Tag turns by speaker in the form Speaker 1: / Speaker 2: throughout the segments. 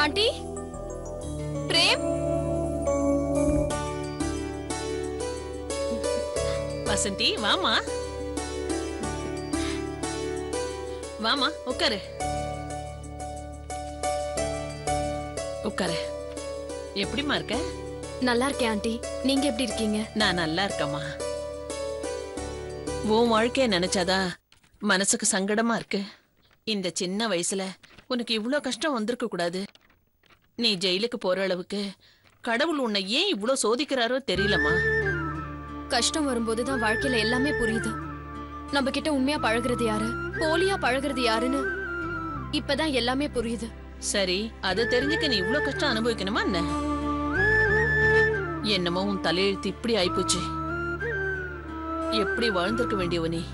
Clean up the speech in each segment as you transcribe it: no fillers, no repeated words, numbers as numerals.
Speaker 1: Aunty frame
Speaker 2: Vasanthi வாமா வாமா உட்காரு உட்காரு. எப்படிமா இருக்க?
Speaker 1: நல்லா இருக்கேன் ஆண்டி. நீங்க எப்படி இருக்கீங்க?
Speaker 2: நான் நல்லா இருக்கேம்மா. உன் வாழ்க்கைய நினைச்சாதா மனசுக்கு சங்கடமா இருக்கு. இந்த சின்ன வயசுல உனக்கு இவ்ளோ கஷ்டம் வந்திருக்க கூடாது. நீ ஜெயிலுக்கு போற அளவுக்கு கடவுள் உன்னை ஏன் இவ்ளோ சோதிக்கிறாரோ தெரியலம்மா.
Speaker 1: கஷ்டம் வரும்போதுதான் வாழ்க்கையில எல்லாமே புரியுது. நம்ம கிட்ட உண்மையா பழகுறது யாரு, போலியா பழகுறது யாருன்னு இப்பதான் எல்லாமே புரியுது.
Speaker 2: சரி, அதை தெரிஞ்சுக்க நீ இவ்ளோ கஷ்டம் அனுபவிக்கணுமா என்ன? என்னமோ உன் தலையெழுத்து இப்படி ஆயிப்போச்சு. எப்படி வாழ்ந்திருக்க வேண்டியவ நீ.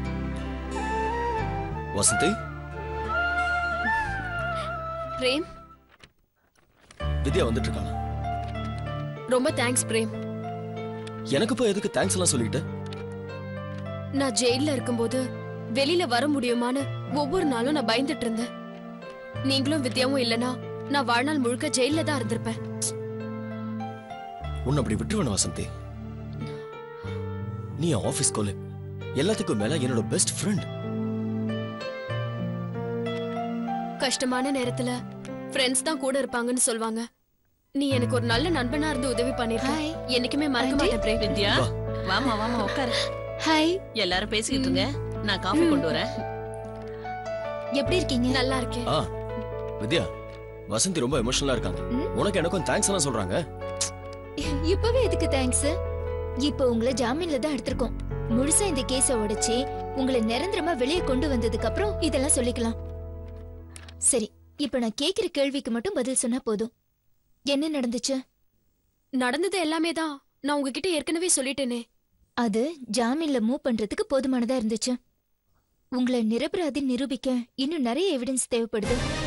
Speaker 3: வசந்தி,
Speaker 1: பிரேம்,
Speaker 3: வித்யா வந்துட்டு இருக்காங்க.
Speaker 1: ரொம்ப தேங்க்ஸ் பிரேம்.
Speaker 3: எனக்கு போய் எதுக்கு தேங்க்ஸ் எல்லாம் சொல்லிட்டு?
Speaker 1: நான் ஜெயில இருக்கும்போது வெளியில வர முடியுமான்னு ஒவ்வொரு நாளும் நான் பயந்துட்டு இருந்தேன். நீங்களும் வித்யாவும் இல்லனா நான் வாழ்நாள் முழுக்க ஜெயில தான் இருந்திருப்பேன்.
Speaker 3: உன்னை அப்படி விட்டுருவேன் வசந்தி. நீ ஆபீஸ் கோலிக், எல்லாத்துக்கும் மேல என்னோட பெஸ்ட் ஃப்ரெண்ட்.
Speaker 1: கஷ்டமான நேரத்துல ஃப்ரெண்ட்ஸ் தான் கூட இருப்பாங்கன்னு சொல்வாங்க. நீ எனக்கு ஒரு நல்ல நண்பனா இருந்து உதவி பண்ணிருக்க. என்னைக்குமே மறக்க மாட்டேன் பிரேம்.
Speaker 2: வித்யா வாமா வாமா உட்காரு.
Speaker 4: ஹாய்.
Speaker 2: எல்லாரும் பேசிக்கிட்டு இருங்க, நான் காஃபி கொண்டு வரேன்.
Speaker 4: எப்படி இருக்கீங்க?
Speaker 1: நல்லா இருக்கேன்.
Speaker 3: வித்யா, வசந்தி ரொம்ப எமோஷனலா இருக்காங்க. உனக்கு எனக்கும் தேங்க்ஸ் எல்லாம் சொல்றாங்க.
Speaker 4: இப்பவே எதுக்கு தேங்க்ஸ்? இப்போ உங்களை ஜாமீன்ல தான் எடுத்திருக்கோம். முழுசா இந்த கேஸ உடைச்சு உங்களை நிரந்தரமா வெளியே கொண்டு வந்ததுக்கு அப்புறம் இதெல்லாம் சொல்லிக்கலாம். சரி, இப்ப நான் கேக்குற கேள்விக்கு மட்டும் பதில் சொன்னா போதும். என்ன நடந்துச்சு?
Speaker 1: நடந்தது எல்லாமே தான் நான் உங்ககிட்ட ஏற்கனவே சொல்லிட்டேனே.
Speaker 4: அது ஜாமீன்ல மூவ் பண்றதுக்கு போதுமானதா இருந்துச்சு. உங்களை நிரபராதி நிரூபிக்க இன்னும் நிறைய எவிடன்ஸ் தேவைப்படுது.